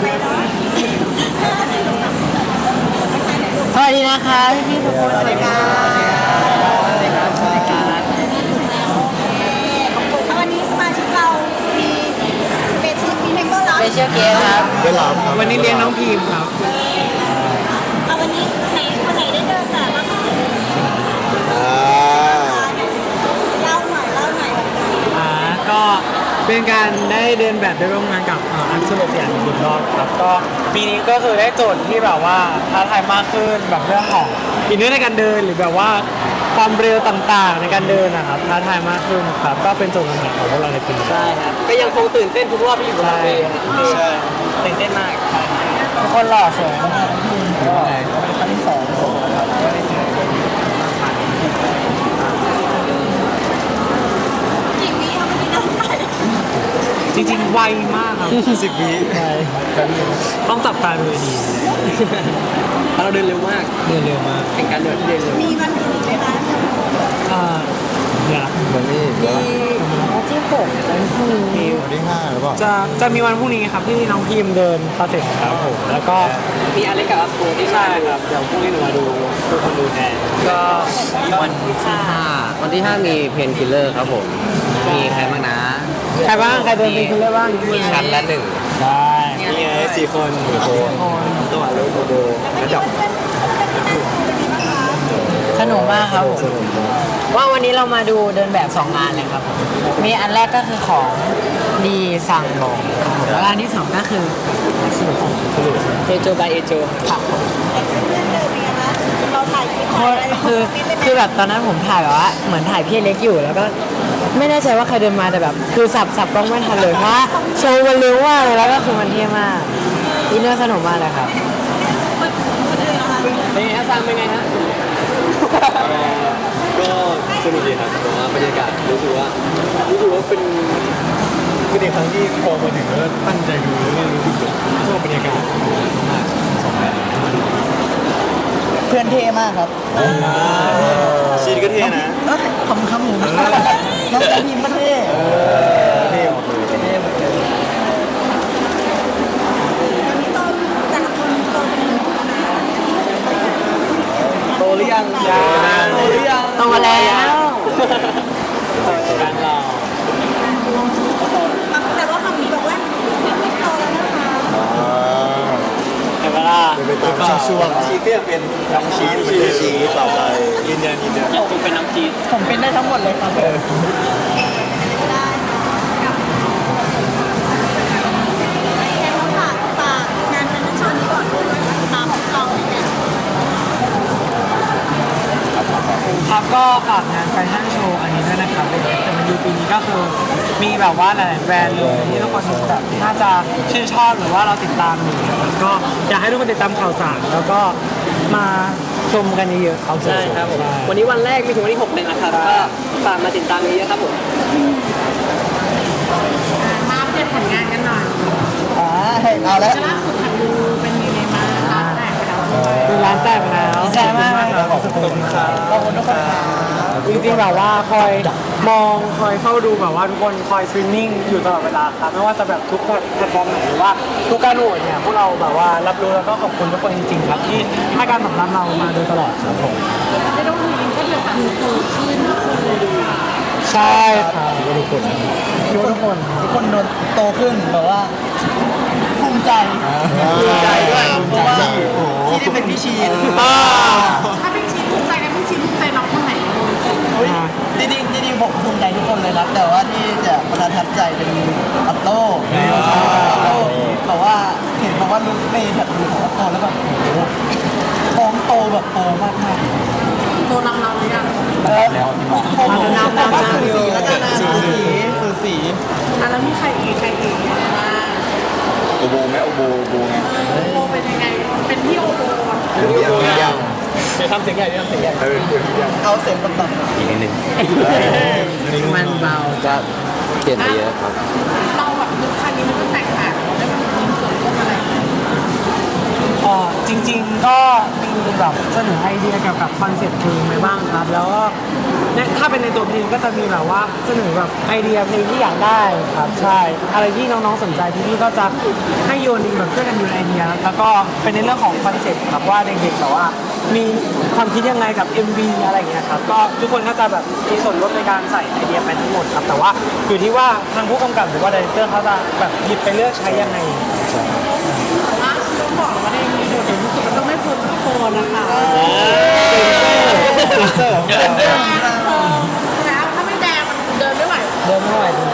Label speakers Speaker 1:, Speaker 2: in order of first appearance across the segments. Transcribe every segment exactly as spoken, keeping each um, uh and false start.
Speaker 1: สวัสดีนะคะพี่พี่ทุกคนสวัสดีค่ะสวัสดีครับสวัสดีครับ
Speaker 2: วันนี้สมาชิกเรามีสเปเชียลมีเมมเบอร์แล้ว
Speaker 1: เปเชียลเกสครับ
Speaker 3: ได้รับครับ
Speaker 4: วันนี้เลี้ยงน้องพีมครับ
Speaker 2: เอาวันนี้ไหนคนไหนได้เดินแบบบ้างคะ
Speaker 3: อ่า
Speaker 2: เล่าหน่อยเล่าหน่อย
Speaker 4: อ่า ก็เป็นการได้เดินแบบได้ร่วมงานกับอันสุรเสียงอีกรอบครับ ก็ปีนี้ก็คือได้โจทย์ที่แบบว่าท้าทายมากขึ้นแบบเรื่องของอินเนอร์ในการเดินหรือแบบว่าความเร็วต่างๆในการเดินนะครับท้าทายมากขึ้นครับ ก็เป็นโจทย์ปัญหาของพวกเราในปีนี้
Speaker 1: ใช่ครับก็ยังคงตื่นเต้นทุกรอบที่อยู่บนเวทีครับ
Speaker 4: ใช่
Speaker 1: ตื่นเต้นมากทุกคนหล่อสวยมาก
Speaker 3: ก็เป็นครั้งที่สองครับก็ได้เจอ
Speaker 2: กี่วิเอาวันนี้เดินไป
Speaker 4: จริงๆไวมากครับ
Speaker 3: สิบวิใช่ครับ
Speaker 4: ต้องจับตาดูดี
Speaker 1: เราเดินเร็วมาก
Speaker 4: เดินเร็วมาก
Speaker 1: เป็นการเดินที่เดินเร็ว
Speaker 2: มีวันอื่นอีกไหมคะ
Speaker 4: อ่าอย่า
Speaker 3: วันนี้แล้ว
Speaker 1: วันที่หกวันพรุ่งนี้
Speaker 3: วันที่ห้าหรือเปล่า
Speaker 4: จะจะมีวันพรุ่งนี้ครับที่น้องพิมเดินคาเฟ่ครับผมแล้วก็
Speaker 1: มีอะไรกับอัพโกที่
Speaker 4: ใช่ครับเดี๋ยวพรุ่งนี้หนูมาดูทุกคนดูแทน
Speaker 1: ก็วันที่ห้าวันที่ห้ามีเพนคิลเลอร์ครับผมมีใครบ้างนะ
Speaker 4: ใครบ้างใครเดินเป็นคิลเลอร์บ้าง
Speaker 1: มีชั้นละหนึ่ง
Speaker 4: ใช่
Speaker 3: นี่ไงสี่คนหนึ่งคนตัวลูกโบโบกระจก
Speaker 1: สนุกมากครับผม
Speaker 3: สนุกมาก
Speaker 1: ว่าวันนี้เรามาดูเดินแบบสองงานเลยครับผมมีอันแรกก็คือของดีสั่งบอกครับผมแล้วอันที่สองก็คือเอโจบายเอโจครับผม
Speaker 2: เรื่องเดินเป็นไงคะเราถ่ายคลิป
Speaker 1: คือ
Speaker 2: ถ่ายอะไร
Speaker 1: คือคือแบบตอนนั้นผมถ่ายแบบว่าเหมือนถ่ายพี่เล็กอยู่แล้วก็ไม่แน่ใจว่าใครเดินมาแต่แบบ คือสับสับกล้องไม่ทันเลยเพราะว่าโชว์มันเร็วมากเลยแล้วก็คือมันเท่มากอินเนอร์สนุกมากเลยครับ
Speaker 2: คนอื่นนะคะ
Speaker 1: เป็นไงฮะซังเป็นไงฮะ
Speaker 3: ก็สนุกดีครับแต่ว่าบรรยากาศรู้สึกว่ารู้สึกว่าเป็นเป็นในครั้งที่พอมาถึงแล้วตั้งใจดูแล้วก็รู้สึกชอบบรรยากาศมากสองแบบ
Speaker 1: เพื่อนเท่มากครับ
Speaker 3: ชีนก็เท่นะ
Speaker 1: ขำขำหมูน้องกระพิมก็เท่
Speaker 3: เท่หมดเลย
Speaker 1: เท่หมดเลย
Speaker 2: วันนี้ต้องแต่ละคนโตเป็นหนุ่มนะ
Speaker 1: โตหรือยัง
Speaker 4: ยัง
Speaker 1: โตหรือยังโตแล้ว
Speaker 4: การเรา
Speaker 2: แต่ว่าคำนี้บอกว่าไม่โตแล้วนะคะ
Speaker 3: อ่า
Speaker 4: แต่เวลา
Speaker 3: เป็นไปตามช่วงชีก็ยังเป็นน้องชีสเป็นชีสต่อไปยืนยันยืนยัน
Speaker 1: ผมเป็นน้ำจีนผมเป็นได้ทั้งหมดเลยครับ
Speaker 2: ได้กับแค่ต้องฝากฝากงานแฟชั่นโชว์นี้ก่อนด้วยตามของเราเนี่ย
Speaker 4: ครับก็ฝากงานแฟชั่นโชว์อันนี้ด้วยนะครับเป็นแต่มันยูปีนี้ก็คือมีแบบว่าหลายๆแบรนด์เลยที่ทุกคนแบบน่าจะชื่นชอบหรือว่าเราติดตามอยู่แล้วก็อยากให้ทุกคนติดตามข่าวสารแล้วก็มาชมกันเยอะๆครับ
Speaker 1: ใช่ครับผมวันนี้วันแรกมีถึงวันที่หกเลยนะครับก็ฝากมาติดตามเยอะๆครับผม
Speaker 5: มาอัปเดตผลงานกันหน่อย
Speaker 1: อ่าเอาแล้ว
Speaker 5: ล่าสุดทางดูเป็นยังไงบ้างร้านแตกไปแล้วด้วย
Speaker 4: ดูร้านแตกไปแล้ว
Speaker 1: ดีใจมาก
Speaker 4: ขอบคุณครับ
Speaker 1: ขอบคุณทุกคนครับ
Speaker 4: จริงๆแบบว่าคอยมองคอยเฝ้าดูแบบว่าทุกคนคอยสตรีมมิ่งอยู่ตลอดเวลาครับไม่ว่าจะแบบทุกแพลตฟอร์มไหนหรือว่าทุกการโหวตเนี่ยพวกเราแบบว่ารับรู้แล้วก็ขอบคุณทุกคนจริงๆครับที่ให้การตอบรับเรามาโดยตลอดครับผม
Speaker 5: ไม่ต้องมีก็เดือดร้อนโตขึ้นทุกคนเลยดู
Speaker 4: ใช่ครับ
Speaker 3: ทุกคน
Speaker 4: คิดว่าทุกคน
Speaker 1: ทุกคนโดนโตขึ้นแบบว่าภูมิใจ
Speaker 3: ภูมิใจด้วย
Speaker 1: เพราะว่า
Speaker 3: โอ้โห
Speaker 1: ที่ได้เป็นพี่ชีน
Speaker 4: อ่า
Speaker 5: ถ้าเป็นชิ้นภูมิใจนะเป็นชิ้นภูมิใจน้องคนไหน
Speaker 1: อุ๊ยจริงๆจริงๆผมภูมิใจทุกคนเลยครับ แต่ว่าที่จะประทับใจเป็นอัตโต้อัตโต้แต่ว่าเห็นบอกว่าลุกในแบบลุกของอัตโต้แล้วแบบโอ้โหท้องโตแบบโตมากมาก
Speaker 5: โตนำเราหรือยัง
Speaker 1: แล้วผมนำนำนำสูสีแล้วกันนะสูสีสูสี
Speaker 5: อ่ะแล้วมีใครอีกใครอีกมา
Speaker 3: โอโบไหมโอโบโอโบไง
Speaker 5: โอเป็นยังไง เป็นพี่โอโบ
Speaker 3: เดี๋ยวยังยัง
Speaker 1: จะทำเสียงใหญ่จะทำเสียงใหญ่
Speaker 3: เออเดี๋ยวยัง
Speaker 1: เอาเสียงต่ำ
Speaker 3: อีกนิดนึง
Speaker 1: มันเบาจะเปลี่ยนไปเยอะครับ
Speaker 5: เราแบบลุคคันนี้มันก็แตกต่างเราได้มันมีส่วนร่วมอะไร
Speaker 4: อ๋อจริงๆก็มีแบบเสนอไอเดียเกี่ยวกับคอนเซ็ปต์เพลงไปบ้างครับ แล้วก็เนี่ยถ้าเป็นในตัวเพลงก็จะมีแบบว่าเสนอแบบไอเดียเพลงที่อยากได้ครับใช่อะไรที่น้องๆสนใจพี่ๆก็จะให้โยนแบบช่วยกันโยนไอเดีย แล้วก็เป็นในเรื่องของคอนเซ็ปต์ครับว่าเด็กๆแบบว่ามีความคิดยังไงกับ เอ็ม วี อะไรอย่างเงี้ยครับก็ทุกคนก็จะแบบมีส่วนร่วมในการใส่ไอเดียไปทั้งหมดครับแต่ว่าอยู่ที่ว่าทางผู้กำกับหรือว่าดีเรคเตอร์เขาจะแบบหยิบไปเลือกใช้ยังไง
Speaker 5: ล่าสุดต้องบอกว่าในมีโดดเด่นที่สุดมันต้องไม่พ้นโคนนะคะแล้วถ้าไม่แดงมันเดินไม่ไหว
Speaker 4: เดินไม่ไหวจริง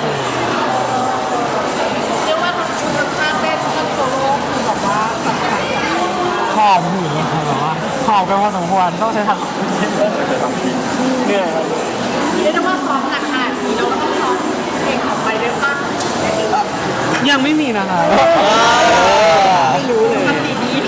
Speaker 5: เรียกว่าทั้งชุดทั้งท่าเต้นทั้งโซโล่คือแบบว่าจัดไปจัดไป
Speaker 4: ๆหอบหืดเลยครับแบบว่าหอบกันพอสมควรต้องใช้ทางเหนื่อยครับ
Speaker 5: เรียกได้ว่าซ้อมหนักขนาดนี้เราก็ต้องซ้อมเพลงออกไปด้วยป่ะ
Speaker 4: ยังไม่มีนะครับไม่รู้เลย
Speaker 5: สติดี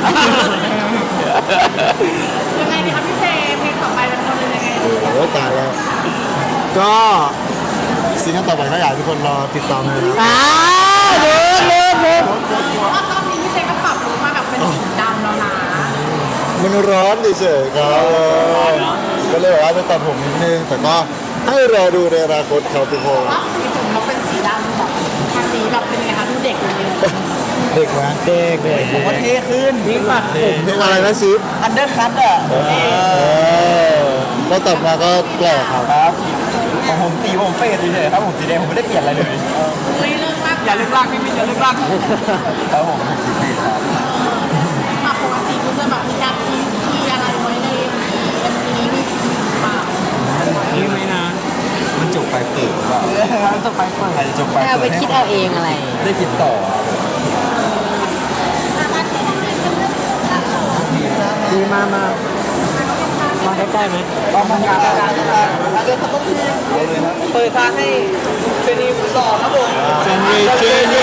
Speaker 5: ยังไงดีครับพี่เจเพลงต่อไปเป็นคนยังไงดี
Speaker 3: โอ้ตายแล้ว ก็ซีซั่นต่อไปก็อยากให้ทุกคนรอติดตามเลยนะ
Speaker 4: อ้าวเดินเดินเดิน
Speaker 5: เพราะว่ารอบนี้พี่เจก็ปรับลุคมาแบบเป็นสีดำแล้วนะ
Speaker 3: มันร้อนเฉยๆครับก็เลยแบบว่าจะตัดผมนิดนึงแต่ก็ให้รอดูในอนาคตครับทุกคน
Speaker 5: รอบสีผมเขาเป็นสีดำแบบทางนี้แบบเป็นไงคะดูเด็กเลย
Speaker 3: เด็กไหมเด็กเด็ก
Speaker 1: ผมว่าเท่ขึ้น
Speaker 4: นี่ปัดผม
Speaker 3: เพลงอะไรนะชิป
Speaker 1: อันเดอร์คัตอ่ะ
Speaker 3: แล้วตัดมาก็แปลกครับ
Speaker 1: ครับของผมสีผมเฟดเฉยๆครับผมสีแดงผมไม่ได้เปลี่ยนอะไรเลย
Speaker 5: อุ้ยเลิกลาก
Speaker 1: อย่าเลิกลากพี่มินอย่าเลิกลากครับผม
Speaker 5: ปกปกติคุณจะแบบมีการทีทีอะไรไว้ในเอ็มวีนี้มีเปล่า
Speaker 4: นี่ไหมนะ
Speaker 1: มันจบไปเปิดว่า
Speaker 4: จบไปเปิด
Speaker 1: ใครจะจบไป
Speaker 6: เอาไปคิดเอาเองอะไร
Speaker 1: ได้คิดต่อ
Speaker 4: ดีมามามาใกล้ๆไหม
Speaker 1: ต้องทำงานการเดินเขาต้องทีเปิดทางให้เจนีสอนครับผม
Speaker 3: เจนนี่เจนนี่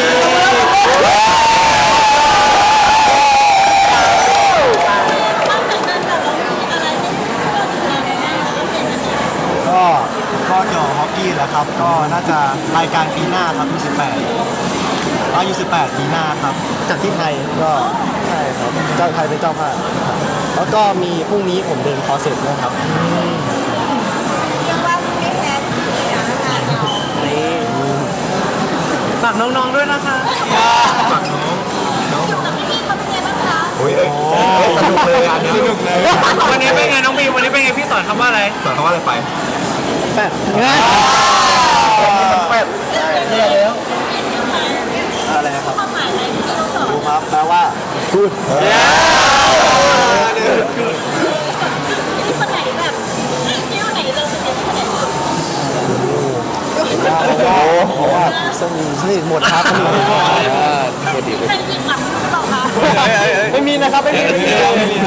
Speaker 1: ก็ก็เกี่ยวกับฮอกกี้แหละครับ ก็น่าจะรายการปีหน้าครับยูสิบแปดก็ยูสิบแปดปีหน้าครับจากที่ไทยก็ใช่ครับเจ้าไทยเป็นเจ้าภาพแล้วก็มีพรุ่งนี้ผมเดินคอร์สเสร็จด้วยครับ
Speaker 2: เรียกว่าไม่แพ้ที่ไหนนะคะเรา
Speaker 4: ฝากน้องๆด้วยนะคะ
Speaker 2: อยู่กับพี่ๆเขาเป็นไงบ้างคะ
Speaker 3: โอ้ยสนุกเลยอันนี้สนุกเลย
Speaker 4: วันนี้เป็นไงน้องบีมวันนี้เป็นไงพี่สอนคำว่าอะไร
Speaker 3: สอนเขาว่าอะไรไป
Speaker 4: แฟด
Speaker 3: แฟด
Speaker 1: เนี่ยแล้วอะไรนะครับ
Speaker 2: ความหมายอะไรที่เราสอน
Speaker 1: ดูครับแปลว่า
Speaker 3: กูด
Speaker 2: ที่คนไหนแบบที่คนไหนเราสนิทคนไหนสุด
Speaker 3: โอ้โหสนิทสนิทหมดครับสนิทหมด
Speaker 2: ใครยิงหลังหรือเปล่าคะ
Speaker 4: ไม่มีนะครับไม่มีไม่มี
Speaker 2: โอเค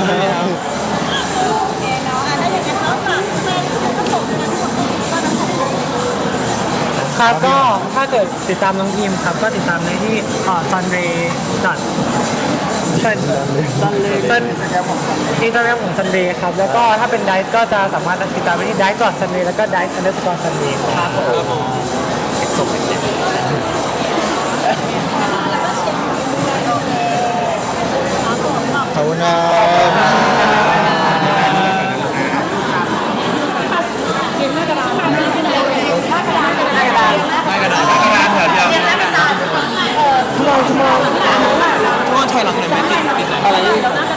Speaker 2: เนาะอ่ะถ้าอย่างนั้นเราฝากแฟนๆทั้งสองทั้งสองก็ทั้งสองคน
Speaker 4: ครับก็ถ้าเกิดติดตามน้องทีมครับก็ติดตามได้ที่อ่า sunray dot sun sunray sun อินสตาแกรมของ sunray ครับแล้วก็ถ้าเป็นไดซ์ก็จะสามารถติดตามได้ที่ dice dot sunray แล้วก็ dice underscore sunray ครับผม
Speaker 3: ขอบคุณครับ
Speaker 1: ทุกคนถอยหลังหน่อยไหมติดติดอะไร